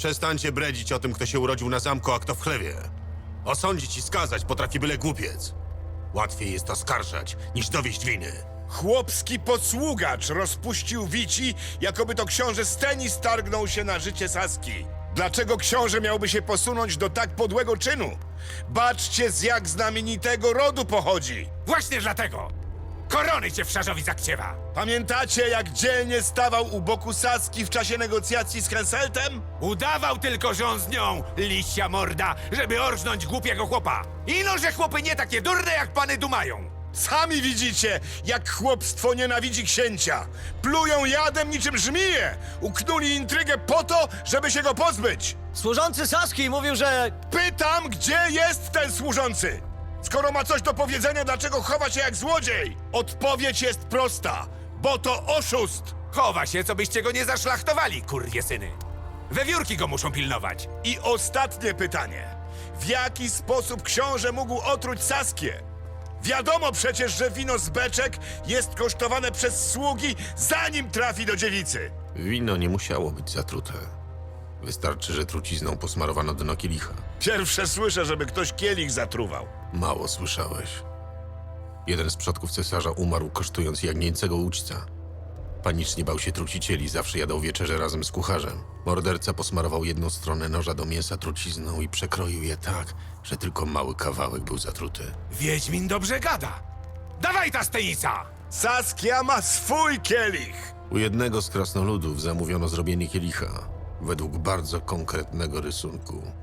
Przestańcie bredzić o tym, kto się urodził na zamku, a kto w chlewie. Osądzić i skazać potrafi byle głupiec. Łatwiej jest oskarżać, niż dowieść winy. Chłopski posługacz rozpuścił wici, jakoby to książę Stenis targnął się na życie Saski. Dlaczego książę miałby się posunąć do tak podłego czynu? Baczcie, z jak znamienitego rodu pochodzi. Właśnie dlatego! Korony cię w szarzowi zakciewa! Pamiętacie, jak dzielnie stawał u boku Saski w czasie negocjacji z Henseltem? Udawał tylko, że on z nią, liścia morda, żeby orżnąć głupiego chłopa. Ino, że chłopy nie takie durne, jak pany dumają. Sami widzicie, jak chłopstwo nienawidzi księcia. Plują jadem niczym żmije. Uknuli intrygę po to, żeby się go pozbyć. Służący Saski mówił, że... Pytam, gdzie jest ten służący? Skoro ma coś do powiedzenia, dlaczego chowa się jak złodziej? Odpowiedź jest prosta, bo to oszust. Chowa się, co byście go nie zaszlachtowali, kurwie syny. Wewiórki go muszą pilnować. I ostatnie pytanie. W jaki sposób książę mógł otruć Saskię? Wiadomo przecież, że wino z beczek jest kosztowane przez sługi, zanim trafi do dziewicy. Wino nie musiało być zatrute. Wystarczy, że trucizną posmarowano dno kielicha. Pierwsze słyszę, żeby ktoś kielich zatruwał. Mało słyszałeś. Jeden z przodków cesarza umarł kosztując jagnięcego uczca. Panicznie bał się trucicieli, zawsze jadał wieczerze razem z kucharzem. Morderca posmarował jedną stronę noża do mięsa trucizną i przekroił je tak, że tylko mały kawałek był zatruty. Wiedźmin dobrze gada. Dawaj ta stenica! Saskia ma swój kielich. U jednego z krasnoludów zamówiono zrobienie kielicha według bardzo konkretnego rysunku.